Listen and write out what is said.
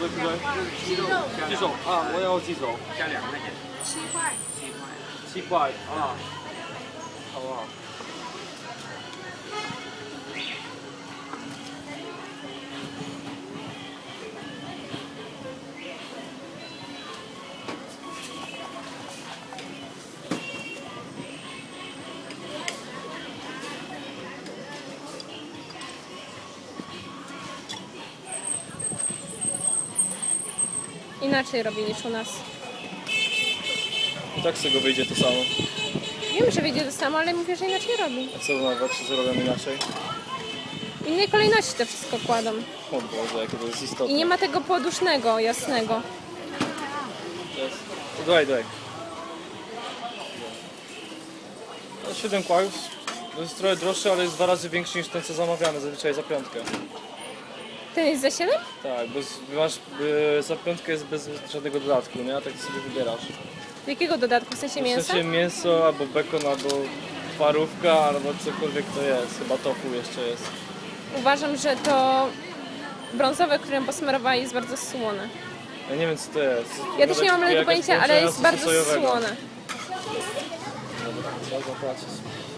对不对？鸡手啊，我要鸡手， 加2块钱 7块。 7块啊，好不好？ Inaczej robi niż u nas. Tak z tego wyjdzie to samo. Wiem, że wyjdzie to samo, ale mówię, że inaczej robi. A co na czy zrobią inaczej? W innej kolejności to wszystko kładą. O Boże, jakie to jest istotne. I nie ma tego podusznego, jasnego. Jest. To dawaj. No, 7 kłajów. To jest trochę droższy, ale jest 2 razy większy niż ten co zamawiamy zazwyczaj za piątkę. Ten jest za 7? Tak, za piątkę jest bez żadnego dodatku, nie? A tak sobie wybierasz. Do jakiego dodatku? W sensie W mięsa? sensie mięso, albo bekon, albo parówka, albo cokolwiek to jest. Chyba tofu jeszcze jest. Uważam, że to brązowe, którym posmarowali, jest bardzo słone. Ja nie wiem co to jest. Ja też nie mam Jakaś pojęcia, ale jest połączenia bardzo sosowego. słone. Dobra, trzeba zapłacić.